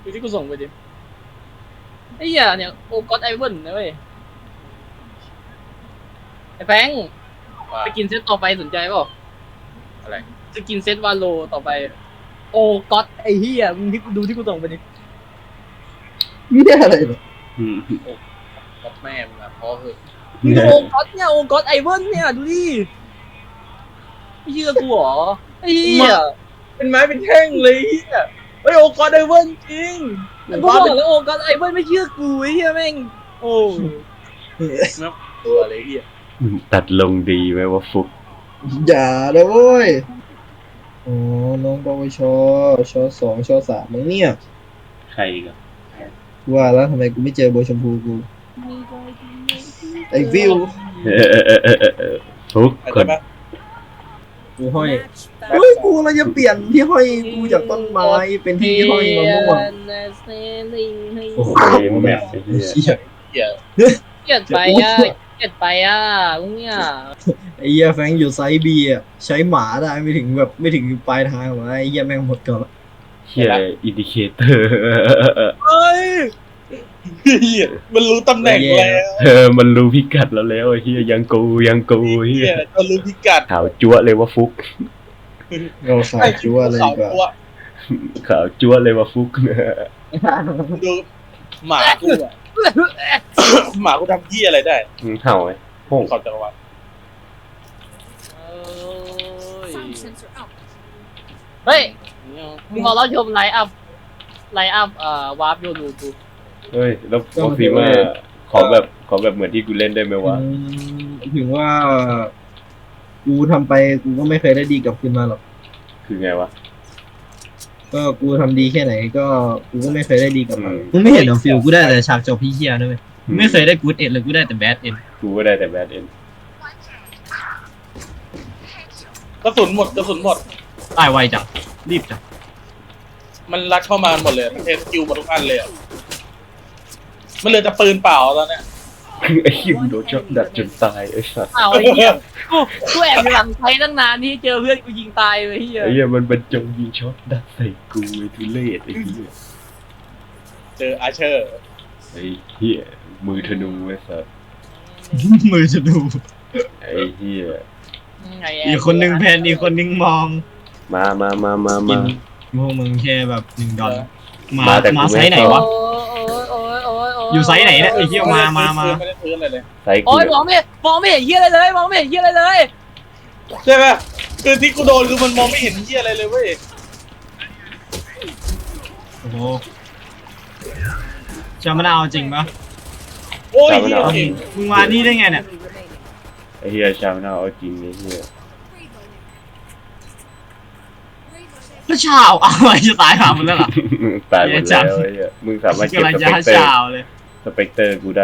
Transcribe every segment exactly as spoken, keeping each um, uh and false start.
ที่กูส่งไปดิไอ้เหี้ยเนี่ยโอก็อดไอเวนนะเว้ยไอ้แฟงไปกินเซตต่อไปสนใจเปล่าอะไรจะกินเซตวาโลต่อไปโอก็อดไอ้เหี้ยมึงที่กูดูที่กูส่งไปดิไม่ได้อะไรหรอกกับแม่มึงอะพอเหอะโอก็อดเนี่ยโอก็อดไอเวนเนี่ยดูดิไม่เชื่อกูเหรอไอ้เหี้ยเป็นไม้เป็นแท่งเลยเฮียเฮ้ยโอกอดไดเวิร์นจริงกูบอกแล้วโอก็อดไอเวนไม่เชื่อกูไอ้เหี้ยแม่งโอ้ตัวเลยเฮียตัดลงดีไหมว่าฟุกอย่าเลยเว้ยโอ้น้องปวชชสองชสามมึงเนี่ยใครกันว่าแล้วทำไมกูไม่เจอโบชมพูกูไอ้วิวฟุกเข้าคใจนปะกูห้อยเฮ้ยกูเราจะเปลี่ยนที่ห้อยกูจากต้นไม้เป็นที่ห้อยมะม่วงโอ้โหเกมแมปไอ้เหี้ยเหี้ยเฮียเกลียดไปอ่ะเกลียดไปอ่ะมึงเนี่ยไอ้เหี้ยแฟงอยู่ไซส์บีอ่ะใช้หมาได้ไม่ถึงแบบไม่ถึงปลายทางหรอกไอ้เหี้ยแม่งหมดก่อนละเฮียอินดิเคเตอร์เฮ้ยเฮียมันรู้ตำแหน่งแล้วเออมันรู้พิกัดเราแล้วไอ้เฮียยังกูยังกูเฮีเฮียยมันรู้พิกัดขาวจั๊วเลยว่าฟุกเราขายชัวร์เลยดีกว่าตัวขาวจั๊วเลยว่าฟุกดูหมากูอะหมากูทำเฮียอะไรได้มึงเห่าไหมโป่งขอบจักรวาลเฮ้ยมึงขอรับชมไลฟ์อัพไลฟ์อัพเอ่อวาร์ปโยนูกูเฮ้ยแล้วโอฟิมาขอแบบขอแบบเหมือนที่กูเล่นได้ไหมวะอืมถึงว่า กูทำไปกูก็ไม่เคยได้ดีกลับขึ้นมาหรอกคือไงวะก็กูทำดีแค่ไหนก็กูก็ไม่เคยได้ดีกลับมาอืมมึงไม่เห็นเหรอฟิลกูได้แต่ฉากจบพี่เฮียนะเว้ยไม่เคยได้กู๊ดเอ็ดเลยกูได้แต่แบดเอ็นกูก็ได้แต่แบดเอ็นกระสุนหมดกระสุนหมดตายไวจังรีบจังมันรักเข้ามาหมดเลยมันเทสกิลหมดทุกอันเลยอะมันเหลือแต่ปืนเปล่าตอนเนี้ยไอ้คิมโดนช็อตดัดจนตายไอ้สัสอ้าวไอ้เหี้ยกูกูแอบอยู่หลังไทยตั้งนานที่เจอเพื่อนกูยิงตายเลยเหี้ยไอ้เหี้ยมันบรรจงยิงช็อตดัดใส่กูไอ้ทุเรศไอ้เหี้ยเจออาเชอร์ไอ้เหี้ยมือธนูไอ้สัสมือจะดูไอ้เหี้ยไแบอีกคนนึงแพนอีกคนนึงมองมามามามากิมานพวกมึงแค่แบบหนึ่งดอลมามาแต่กูมาไม่ไซส์ไหนชอบวะโอ้ยโอ้ยโอ้ยโอ้ยอยู่ไซส์ไหนเนี่ยไอ้เหี้ยมามามาไม่ได้ซื้ออะไรเลยใส่กูโอ้ยมองไม่มองไม่เห็นเหี้ยอะไรเลยมองไม่เห็นเหี้ยอะไรเลยใช่ไหมคือที่กูโดนคือมันมองไม่เห็นเฮียอะไรเลยเว้ยโอ้โหจะมะนาวจริงปะโอ้ยเฮียเก่งมึงมานี่ได้ไงเนี่ยไอ้เหี้ยชาวนาเอาจริงไอ้เหี้ยแล้วชาวเอาอะไรจะตายหามึงแล้วเหรอตายหมดแล้วไอ้เหี้ยมึงสามารถเก็บกำลังสจะเปกหาเตอร์ชาวเลยสเปกเตอร์กูได้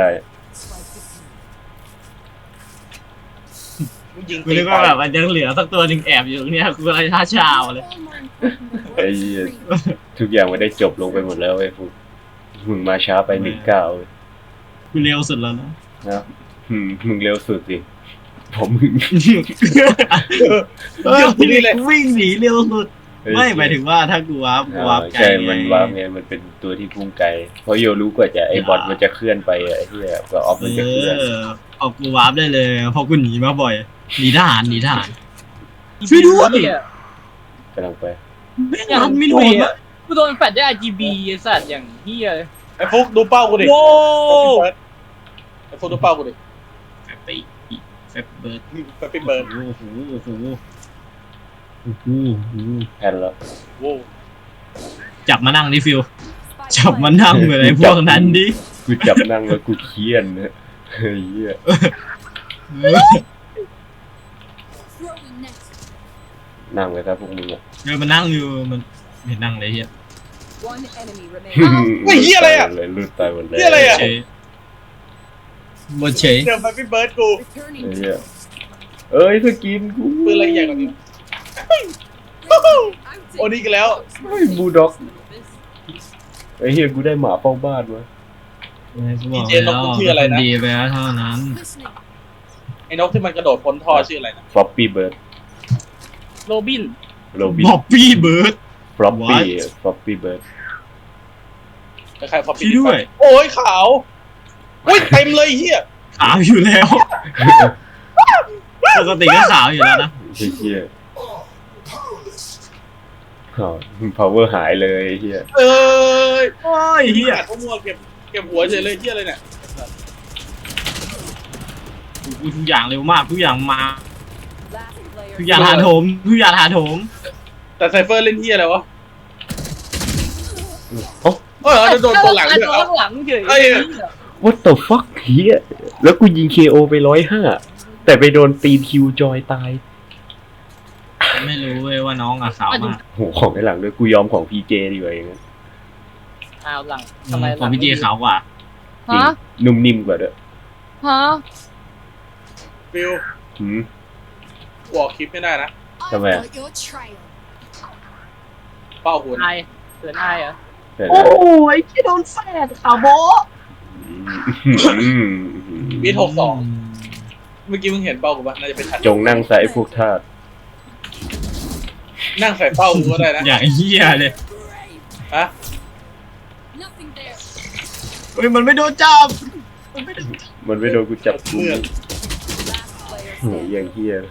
ยิงกูนึกว่าแบบมันยังเหลือสักตัวหนึ่งแอบอยู่เนี่ยกูกำลังจะหาชาวเลยไอ้เหี้ยทุกอย่างมันได้จบลงไปหมดแล้วไอ้ฟุกมึงมาช้าไปหนึ่งเก้ากูเร็วสุดแล้วนะนะอืมมึงเร็วสุดสิผมมึงเออกูวิ่งหนีเร็วสุดไม่หมายถึงว่าถ้ากูวาร์ปกูวาร์ปไกลใช่มันวาร์ปไงมันเป็นตัวที่พุ่งไกลเพราะโยรู้กว่าจะไอ้บอทมันจะเคลื่อนไปไอ้เหี้ยกว่าออฟเอมันจะเคลื่อนอเอากูวาร์ปได้เลยเพราะกูหนีมาบ่อยหนีทหารหนีทหารช่วยด้วยกำลังไปไม่ทันไม่โดนอะกูโดนแฟลชได้ อาร์ จี บี ไอ้สัตว์อย่างเหี้ยเลยไอ้ฟุกดูเป้ากูดิโว้ไอ้ฟุกดูเป้ากูดิแฟบไปแฟบเบิร์ดไปปิดเบิร์นโอ้โหโอ้โหโอ้โหแพนแล้วโว้จับมานั่งดิฟิวจับมานั่งเหมือนไอ้พวกนั้นดิกูจับนั่งแล้วกูเคียนนะเฮ้ยเหี้ยนั่งไปซะพวกมึงอ่ะเออมันนั่งอยู่มันไม่นั่งเลยเฮียไอ้เฮียอะไรอ่ะเลยลุดตายหมดเลยเหี้ยอะไรอะเฉยหมดเฉยเดี๋ยวไปปิดเบิร์นกูไอ้เหี้ยเอ้ยสกินกูปืนอะไรใหญ่กว่านี้โอ้นี่กันแล้วเฮ้ยบูลด็อกไอ้เหี้ยกูได้หมาเฝ้าบ้านวะกูบอกแล้วดีไปแล้วเท่านั้นไอ้นกที่มันกระโดดพ้นท่อชื่ออะไรนะฟลอปปี้เบิร์ดโรบินโรบินบ๊อบบี้เบิร์ดฟลอปปี้ What? ฟลอปปี้เบิร์ดใครพอปิพี่ด้วยโอ้ยขาวโอ้ยเต็มเลยเฮียขาวอยู่แล้วปกติก็ขาวอยู่แล้วนะเฮียอ๋อ power หายเลยเฮียเอ้ยโอ้ยเฮียขาดข้อมัวเก็บเก็บหัวเฉยเลยเฮียอะไรเนี่ยทุกอย่างเร็วมากทุกอย่างมาทุกอย่างหาโถมทุกอย่างหาโถมแต่ไซเฟอร์เล่นเฮียอะไรวะโอ้เออโดนตัวหลังด้วยตัวเอาหลังเฉยเอ้ย what the fuck เฮียแล้วกูยิง เค โอ ไปร้อยห้าแต่ไปโดนตีนคิวจอยตายไม่รู้เว้ยว่าน้องอะขาวมากโหของในหลังด้วยกูยอมของ พี เจ ดีกว่าอย่างนั้นอ้าวหลังทำไมของพี่เจขาวกว่าจริงฮะนุ่มนิ่มกว่าด้วยฮะฟิวหืมกูออกคลิปไม่ได้นะทำไมเป้าหุ่นไอเกินไอเหรอแต่โอ้นะยที่โดนแฟดขาวโบอืมบีทหกสองเมื่อกี้มึงเห็นเป้ากูปะน่าจะเป็นชัดจงนั่งใส่พวกทาสนั่งใส่เป้ากูก็ได้นะอย่างเฮียเลยฮะเฮ้ยมันไม่โดนจับมันไม่โดนกูจับกูเมื่อโหอย่างเฮีย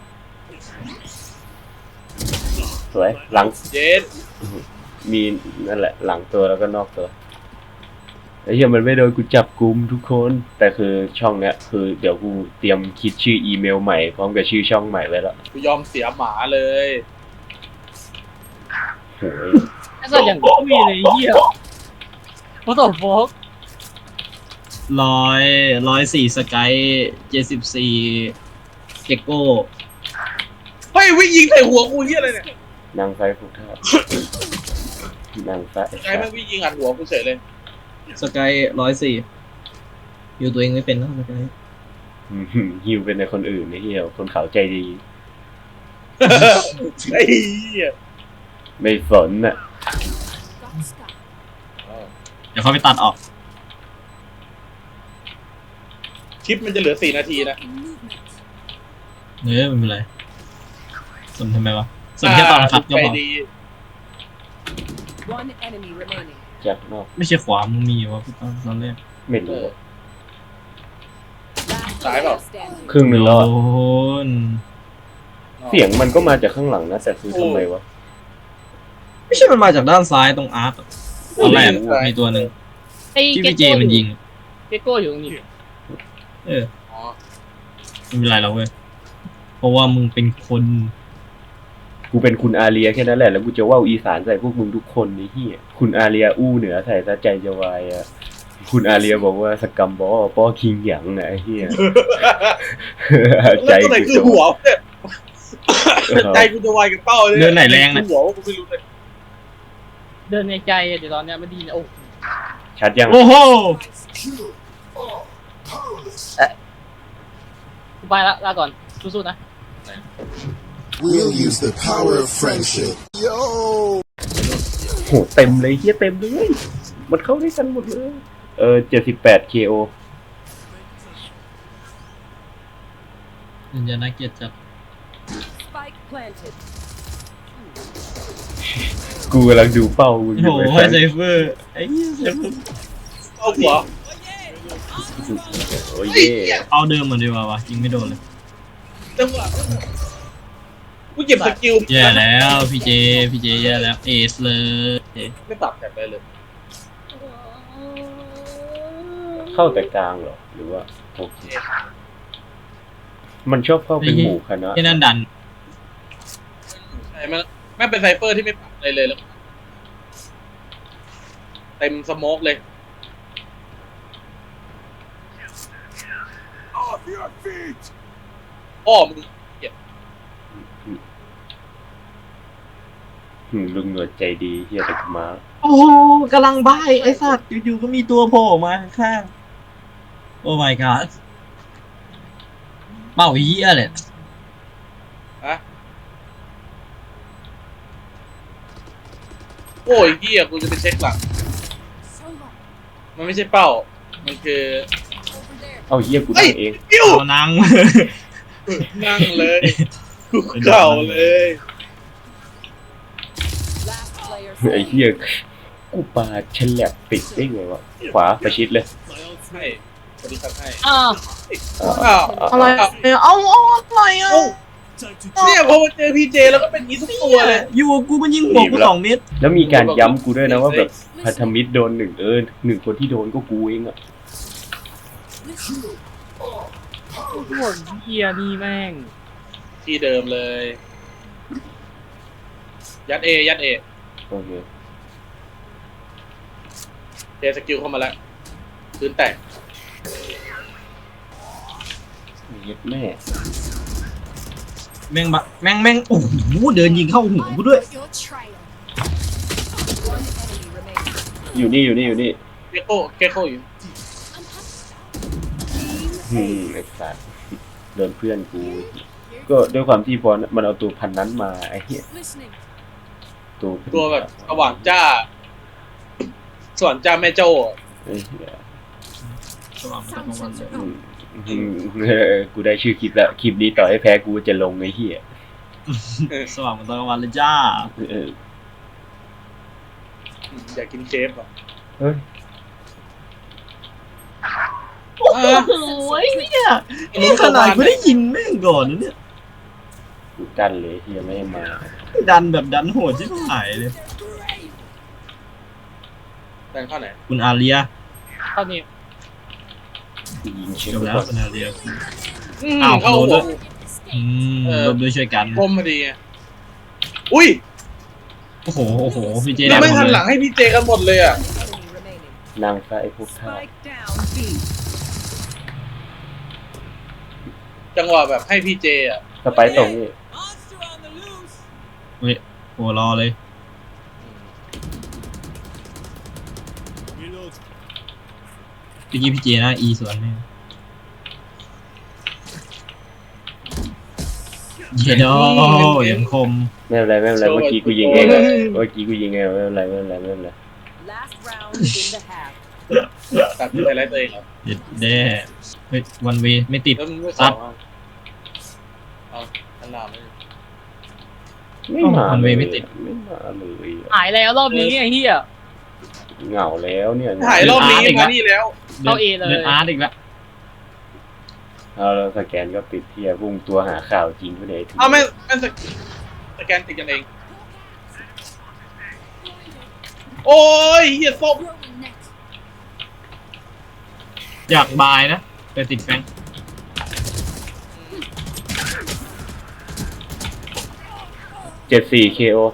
สวยหลังเย็ดมีนั่นแหละ หลังตัวแล้วก็นอกตัวไอ้เหี้ยมันไม่โดนกูจับกุมทุกคน แต่คือช่องเนี้ยคือเดี๋ยวกูเตรียมคิดชื่ออีเมลใหม่พร้อมกับชื่อช่องใหม่ไว้แล้วกูยอมเสียหมาเลยโหยไอ้สัตว์อย่างกุ้ยเลยเหี้ยโอ้โหโฟกร้อยร้อยสี่สกายเจ็ดสิบสี่เจโก้เฮ้ยวิ่งยิงใส่หัวกูเฮียอะไรเนี่ยนางไฟพวกทาสนางไฟไอ้แม่งวิ่งยิงอัดหัวกูเฉยเลยสกายร้อยสี่อยู่ตัวเองไม่เป็นนะสกายอื้อหือฮิวเป็นในคนอื่นไอ้เหี้ยคนเขาใจดีไอ้เหี้ยไม่สนน่ะเดี๋ยวเขาไปตัดออกคลิปมันจะเหลือสี่นาทีนะเนื้อไม่เป็นไรสนทำไมวะสนแค่ตอนขับก็ใจพอดี One enemy remaining. จากนอกไม่ใช่ขวามึงมีวะพี่ตอนตอนแรกไม่รู้อะ Last Trái bảo. player standing. ครึ่งหนึ่งโดแล้วอะนเสียงมันก็มาจากข้างหลังนะแต่คือทำไมวะไม่ใช่มันมาจากด้านซ้ายตรงอาร์ตอะตอนแรกมีตัวหนึ่งไอ้ที่เกพี่เจโก้มันยิงเกโก้อยู่ตรงนี้เอออ๋อไม่เป็นไรแล้วเว้ยเพราะว่ามึงเป็นคนกูเป็นคุณอาเรียแค่นั้นแหละแล้วกูจะว่าวอีสานใส่พวกมึงทุกคนนี่เหี้ยคุณอาเรียอู้เหนือใส่ซะใจจะวายอ่ะคุณอาเรียบอกว่าสกัมบอป้อคิงหยังนะไอ้เหี้ย ใจแล้วตัวไหนกูคือจะหัวเนี่ยใจกูจะวายกับเป้าเลยเดินไหนแรงนะหัวกูไม่รู้เลยเดินในใจอะเดี๋ยวตอนเนี้ยไม่ดีนะโอ้ชัดยังโอ้โหกูไปละลาก่อนสู้ๆนะ We'll use the power of friendship. Yo! โหเต็มเลยเหี้ยเต็มเลยมันเข้าด้วยกันหมดเลยเออเจ็ดสิบแปด เค โอมันจะน่าเกลียดจัด Spike planted. กูกำลังดูเป้ากูอโอ้ยู่โหไอ้ให้สัสไซเฟอร์ไอ้เหี้ยไซเฟอร์เอาหัวโอ้ยไอ้เย่เหี้ยเอาเดิมเหมือนเดิมวะยิงไม่โดนเลยจังหวะกูเก็บสกิลแย่แล้วพี่เจพี่เจแย่แล้วเอสเลยไม่ปรับแบบไปเลยเข้าแต่กลางเหรอหรือว่าโอเคมันชอบเข้าเป็นหมู่คณะที่นั่นดันใช่มันแม่งเป็นไซเฟอร์ที่ไม่ปรับอะไรเลยแล้วเต็มสโมกเลย Off your feet! อ้อมึงอืมลุงหนวดใจดีเฮียแต่กูมาโอ้กำลังบ้ายไอ้สัตว์อยู่ๆก็มีตัวโผล่ออกมาข้างๆโอ้ my god เป้าเหี้ยเลยฮะโอ้ยเหี้ยกูจะไปเช็คหลัง So long. มันไม่ใช่เป้า มันคือ Over there. เอาเฮียกูนั่งเองกิ้วเอานังนั่งเลยกูเข่าเลย Last player ไอ้ standing. เฮียกูปาฉลับติดได้ไงวะขวาประชิดเลยให้สวัสดีครับให้อ้าวอ้าวอะไรเนี่ยเอาเอาอะไรอ่ะเนี่ยพอมาเจอพีเจแล้วก็เป็นงี้ทุกตัวเลยอยู่กับกูมันยิงหัวกูสองเม็ดแล้วมีการย้ำกูด้วยนะว่าแบบพันธมิตรโดนหนึ่งเออหนึ่งคนที่โดนก็กูเองอะพวกเฮียนี่แม่งที่เดิมเลย ยัดเอยัดเอโอเคเจสกิลเข้ามาแล้วพื้นแตกเย็ดแม่แม่งบะแม่งแม่งโอ้โหเดินยิงเข้าหัวกูด้วย Your trail. One enemy remaining. อยู่นี่อยู่นี่อยู่นี่เกโก้เกโก้อยู่อืมไอ้สัสโดนเพื่อนกู ก็ด้วยความที่พอมันเอาตัวพันนั้นมาไอ้เหี้ย Listening. ตัวตัวแบบสว่างจ้า สว่างจ้าแม่โจ้ไอ้เหี้ย Sound sensor อื up. มอืมเออกูได้ชื่อคลิปแล้วคลิปนี้ต่อให้แพ้กูจะลงไอ้เหี้ยสว่างเหมือนตอนกลางวันเลยจ้าเอออยากกินเคฟอ่ะเฮ้ยโอ้โหเนี่ยนี่ขนาดกูได้ยิงแม่งก่อนนะเนี่ยกูกันเลยที่ยังไม่ให้มาดันแบบดันโหดที่หายเลยแตงเข้าไหนคุณอาเรียตอนนี้กูยิงเช็คจบไปแล้วก่อนคุณอาเรียอืมอ้าวเข้าโดนหัด้ววย อืมรวมด้วยช่วยกันคมพอดีไงอุ้ยโอ้โหโอ้โหพี่เจแล้ได้วไม่หมทัดนเลหลัยงให้พี่เจกันหมดเลยอ่ะ Enemy remaining. นางฟ้าไอ้พวกท่า Spike down B. จังหวะแบบให้พี่เจอ่ะสไปร์ตรงนี่เฮ้ยโอ้รอเลยเมื่อกี้พี่เจนะอีสวนแม่งเยดอยังคมไม่เป็นไรไม่เป็นไรเมื่อกี้กูยิงเองอะเมื่อกี้กูยิงเองไม่เป็นไรไม่เป็นไรไม่เป็นไร Last round in the half. ตัดไฮไลท์ตัวเองครับเด็ดแด้เฮ้ยวันเวไม่ติดแล้วมึงไม่สองอ่ะเอาอันหนาไม่ไม่มามันเวไม่ติดไม่มาเลยอะหายแล้วรอบนี้ไอ้เฮียเหงาแล้วเนี่ยถ่ายรอบนี้มานี่แล้วเข้า A เลยเดินอาร์ตอีกแล้วเอาแล้วสแกนก็ปิดเทียพุ่งตัวหาข่าวจริงไปไหนถึงเอาไม่ไม่สสแกนติดกันเอง โอ้ยเฮียส้ม Growing net. อยากบายนะแต่ติดแฟงเจ็ดสี่เคโอ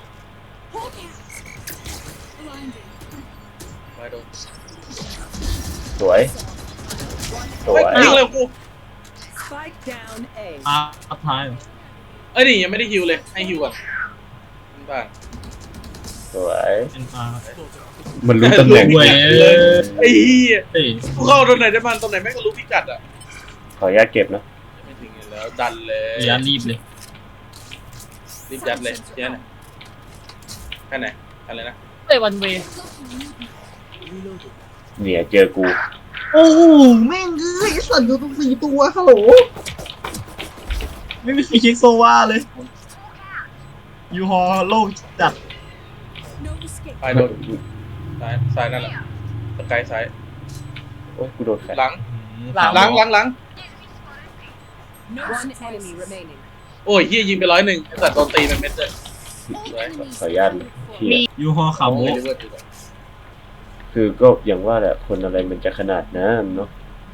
ไปโดนสวยสวยเฮ้ยยิงเลยกู Spike down A. อาร์ตท้ายเหรอเอ้ยนี่ยังไม่ได้ฮิวเลย ให้ฮิวก่อนบ้านสวยเป็นอาร์มันรู้ตำแหน่งเว้ยไอ้เหี้ยเฮ้ยกูเข้าตรงไหนได้มันตรงไหนแม่งก็รู้พิกัดอ่ะขออนุญาตเก็บนะไม่ถึงอยู่แล้วดันเลยระยะรีบเลยรีบยัดเลยเยัดไหนแค่ไหนอะไรนะเอ้ยวันเวเนี่ยเจอกูโอ้โหแม่งเอ้ยไอ้สัตว์อยู่ตรงสี่ตัวฮัลโหลไม่มีใครเช็คโซวาเลยยูฮอโลกจัด No escape. ซ้ายโดนซ้ายซ้ายนั่นแหละสกายซ้ายโอ้ยกูโดนแฟนหลังหลังหลังหลังหลัง No one enemy remaining. โอ้ยเฮียยิงไปร้อยหนึ่งไอ้สัตว์โดนตีเป็นเม็ดเลยสวยขออนุญาตเลยเฮียยูฮอขับโอ้โบยเดี๋ยวเว้ยเดี๋ยวเว้ยคือก็อย่างว่าแหละคนอะไรมันจะขนาดนั้นเนาะ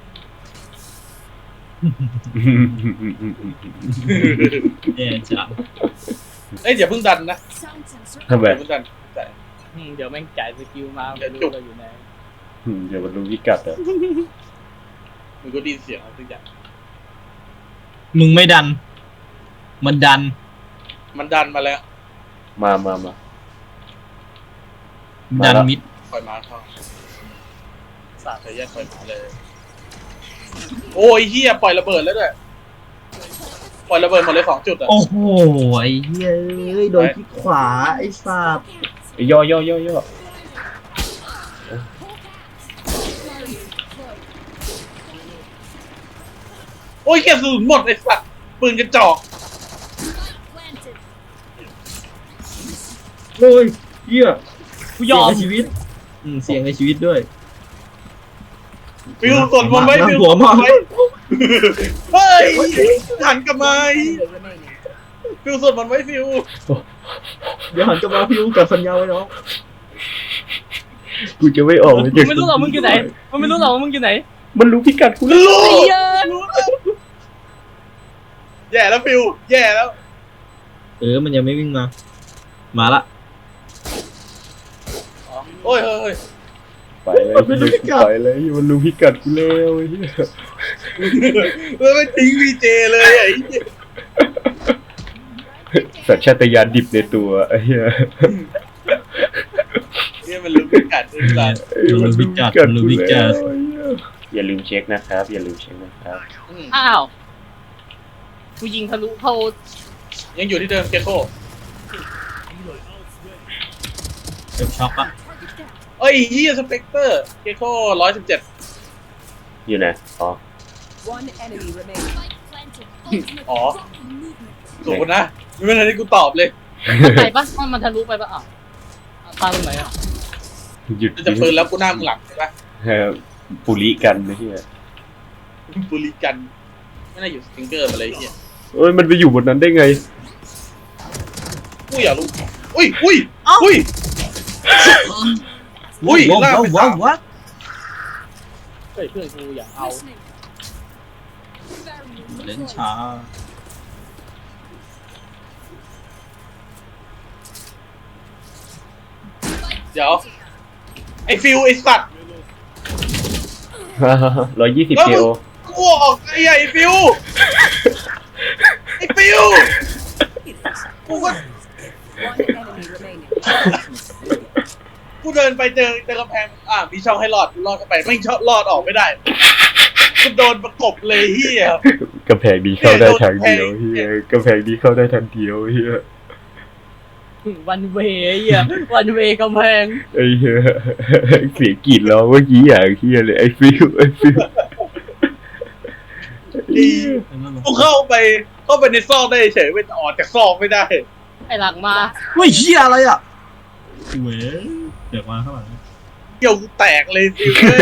แย่จังเอ้ยอย่าเพิ่งดันนะ Sound sensor. ทำไมอย่าเพิ่งดันแต่อืมเดี๋ยวแม่งจ่ายสกิลมาเดี๋ไม่ยวจุรู้กเราอยู่ไหนอืมเดี๋ยวมันรู้พิกัดอ่ะมึงก็ไดีเสียงอะไรสักอย่างมึงไม่ดัน มันดันมันดันมาแล้วมามามา มาดันแล้วมิดปล่อยมาเข้าสาดเธอแยกปล่อยมาเลย โอ้ยเฮียปล่อยระเบิดแล้วด้วยปล่อยระเบิดหมดเลยสองจุดอ่ะโอ้โหไอ้เฮ้ยโดนที่ขวาไอ้สัตว์ไอ้ย่อย่อย่อย่อโอ้ยแค่สูญหมดไอ้สัตว์ปืนกระจอก Planted. โอ้ยเหี้ยกูยอมเสีชีวิตอืมเสี่ยงในชีวิตด้วยฟิวสวดมนต์ไว้ฟิวหัวมากไว้เฮ้ยหันกลับมา Enemy remaining. ฟิวสวดมนต์ไว้ฟิวเดี๋ยวหันกลับมาพี่รู้กับสัญญาไว้น้องกูจะไม่ออกมึงไม่รู้หรอกมึงอยู่ไหนมึงไม่รู้หรอกว่ามึงอยู่ไหนมันรู้พิกัดกูแล้วรู้ไอ้เหี้ยรู้แล้วแย่แล้วฟิวแย่แล้วเออมันยังไม่วิ่งมา มาละโอ้ยเฮ้ยเฮ้ยไปเลยไปเลยมันรู้พิกัดกูแล้วไอ้เหี้ยแล้วไม่ทิ้งวีเจเลยไอ้เหี้ยสัญชาตญาณดิบในตัวไอ้เหี้ยเนี่ยมันรู้พิกัดไอ้สัตว์มันรู้พิกัดมันรู้พิกัดอย่าลืมเช็คนะครับ อย่าลืมเช็คนะครับอืมอ้าวกูยิงทะลุเข้ายังอยู่ที่เดิมเกโก้เจ็บช็อกปะเอ้ยเฮียสเปกเตอร์เกโก้ร้อยสิบเจ็ดอยู่ไหนอ๋อ One enemy remaining. อ๋อถูกนะไม่เป็นไรที่กูตอบเลยไปปะมันมันทะลุไปปะอ้าวตายตรงไหนอ่ะหยุดจะปืนแล้วกูหน้ามึงหลังใช่ปะเออปุริกันไอ้เหี้ยบุรีกันไม่น่าอยู่สติงเกอร์มาเลยเฮียเอ้ยมันไปอยู่บนนั้นได้ไงกูอยากรู้อุ้ยอุ้ยอุ้ย อุ้ยว้าวลากไปว้าวสามว้าวเฮ้ยเพื่อนกูอยากเอาเล่นช้าเดี๋ยวไอ้ฟิวไอ้สัตว์ร้อยยี่สิบแล้วเคมึงโอกูออกไอ้ไอ้ฟิวไอ้ฟิวกูก็ One enemy remaining. กูเดินไปเจอเจอกำแพงอ่ะมีช่องให้รอดกูรอดเข้าไปไม่ช่องรอดออกไม่ได้กูโดนประกบเลยเฮียกำแพงดีเข้าได้ทางเดียวเฮียกำแพงดีเข้าได้ทางเดียวเฮียวันเวย์ไอ้เหี้ยวันเวย์กำแพงไอ้เหี้ยเสียงกรีดร้องเมื่อกี้อย่างเฮียเลยไอ้ฟิวไอ้ฟิวดีกูเข้าไปเข้าไปในซอกได้เฉยไม่ออกจากซอกไม่ได้ไอ้หลังมาเฮ้ยเหี้ยอะไรอ่ะเว้ยเดี๋ยวมาข้างหลังเกี่ยวกูแตกเลยฟิวเว้ย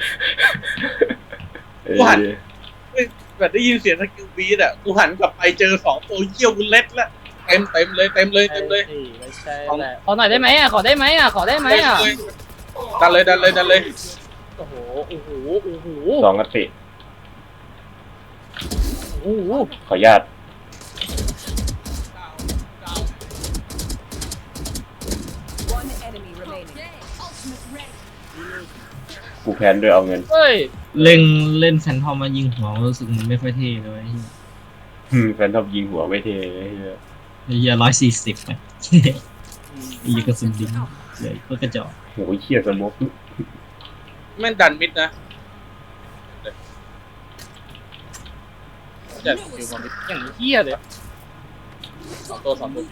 กูหัน แบบได้ยินเสียงสกิลบีดอ่ะกูหันกลับไปเจอสองตัวเกี่ยวกูเล็ดละเต็มเต็มเลยเต็มเลยเต็มเลยไม่ใช่แหละขอหน่อยได้ไหมอ่ะขอได้ไหมอ่ะขอได้ไหมอ่ะดันเลยดันเลยดันเลยโอ้โหโอ้โหโอ้โหสองกติโอ้โหขออนุญาต One enemy remaining. กูแพนด้วยเอาเงินเฮ้ยเล่นเล่นแฟนทอมมายิงหัวรู้สึกมันไม่ค่อยเท่เลยอืมแฟนทอมยิงหัวไม่เทไอ้เหี้ยไอ้เหี้ยร้อยสี่สิบไปไอ้เหี้ยกระสุนดิงเลยก็กระจอกโหเขี้ยสมกแม่งดันมิดนะจัดสกิลมามิดอย่างเหี้ยเลยสองตัวสองตัว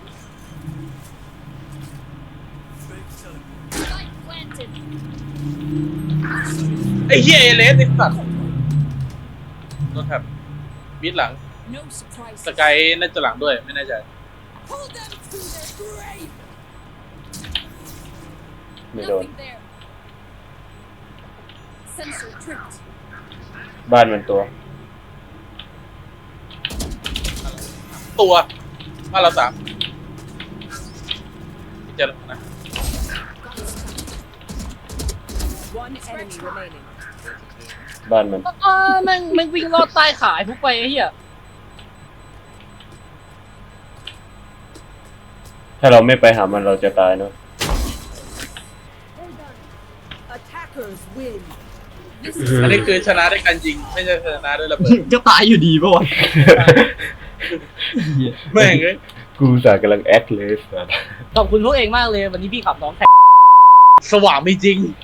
ไอ้เหี้ยเอเลสไอ้สัตว์ต้องครับมิดหลัง No surprise. สกายน่าจะหลังด้วยไม่แน่ใจ Pull them to their grave. ไม่โดน Nothing there. Sensor tripped. บ้านมันตัวตัวบ้านเราสามเจอแล้วนะ One enemy remaining. บ้านมันอ่าแม่งแม่งวิ่งลอดใต้ขาไอ้พวกไปไอ้เหี้ยถ้าเราไม่ไปหามันเราจะตายเนาะ Attackers win. อันนี้คือชนะด้วยการยิงไม่ใช่ชนะด้วยระเบิดก็ตายอยู่ดีป่ะวะแม่งเลยกูสากำลังแอคเลยสัสขอบคุณพวกเองมากเลยวันนี้พี่ขับน้องแท็กสว่างไม่จริง